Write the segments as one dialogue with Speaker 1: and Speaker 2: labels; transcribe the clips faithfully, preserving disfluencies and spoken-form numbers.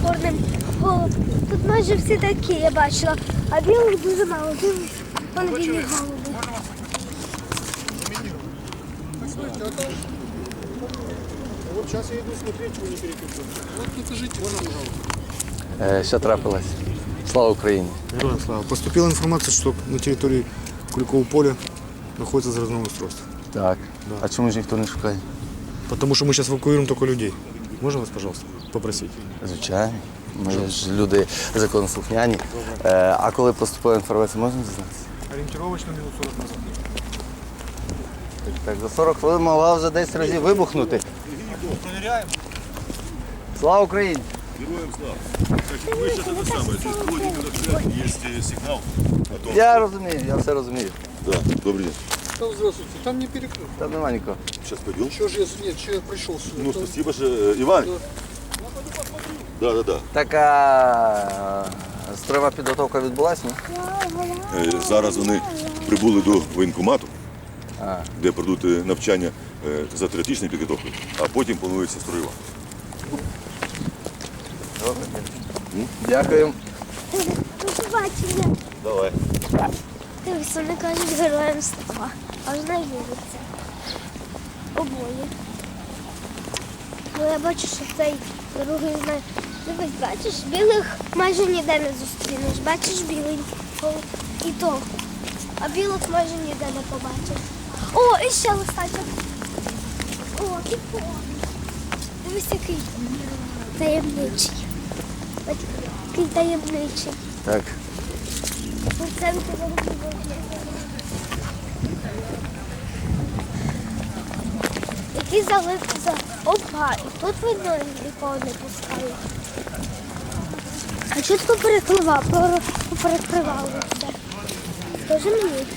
Speaker 1: чорним голуб. Тут майже всі такі, я бачила, а білих дуже мало. Дивись, вон білі голуби.
Speaker 2: Вот сейчас я иду смотреть, чего не перепутал. Вот покажите, можно, пожалуйста.
Speaker 3: Е, Що трапилось? Слава Україні!
Speaker 2: Героям слава. Поступила информация, что на территории Куликового поля находится заразное устройство.
Speaker 3: Так. А чому ж ніхто не шукає?
Speaker 2: Потому что мы сейчас эвакуируем только людей. Можно вас, пожалуйста, попросить?
Speaker 3: Звичайно. Ми ж люди законослухняні. Е, А коли поступила інформація, можна дізнатися?
Speaker 2: Ориентировочно минут сорок назад.
Speaker 3: Так, за сорок хвилин могла вже десять разів вибухнути.
Speaker 2: Проверяем.
Speaker 3: Слава Україні!
Speaker 4: Героям слава. Значит, вы сейчас это самое, здесь входите, когда есть э, сигнал о том,
Speaker 3: Я розумію, я все розумію.
Speaker 4: Да, добрый день.
Speaker 5: Да, здравствуйте. Там не перекрыт.
Speaker 3: Там нема нікого.
Speaker 4: Сейчас пойдем.
Speaker 5: Что же я, нет, что я пришел сюда?
Speaker 4: Ну,
Speaker 5: Там-
Speaker 4: спасибо же, э, Иван. Да, да, да.
Speaker 3: Така е, стройова підготовка відбулася, ні?
Speaker 4: Е, Зараз вони прибули до воєнкомату,
Speaker 3: А.
Speaker 4: де пройдуть е, навчання е, за теоретичною підготовкою, а потім планується строєва.
Speaker 3: Дякую.
Speaker 1: До побачення.
Speaker 4: Давай.
Speaker 1: Дивись, вони кажуть героям слава. Аж не віриться. Обоє. Ну я бачу, що цей другий знає. Дивись, бачиш, білих майже ніде не зустрінеш. Бачиш білий голуб і то. А білих майже ніде не побачиш. О, і ще листочок. О, і то. Дивись, який таємничий. Бачиш, який таємничий.
Speaker 3: Так.
Speaker 1: У центрі вогневого. Який залив за опа, і тут видно нікого не пускали. А чого ти перекривав, перекривали все? Скажи мені.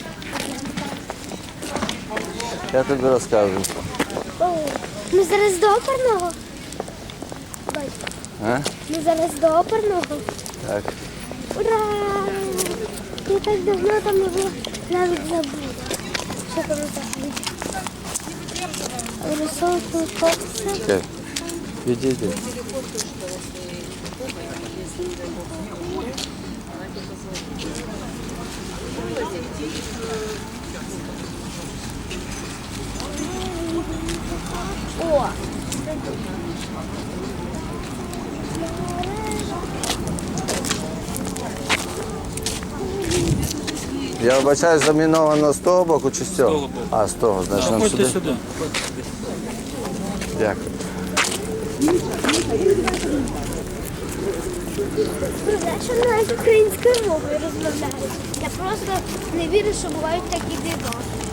Speaker 3: Я тобі розкажу.
Speaker 1: О, ми зараз до оперного. Бач,
Speaker 3: А?
Speaker 1: ми зараз до оперного.
Speaker 3: Так.
Speaker 1: Ура! Я так давно там не була, навіть забула. Що там взагалі? Рисовку кокси.
Speaker 3: Чекай. Відійди.
Speaker 1: О!
Speaker 3: Я вибачаю, заміновано з того боку чи з цього? А, з того, значить нам сюди.
Speaker 5: сюда.
Speaker 3: Дякую.
Speaker 1: Що навіть українською мовою розмовляють. Я просто не вірю, що бувають такі дива.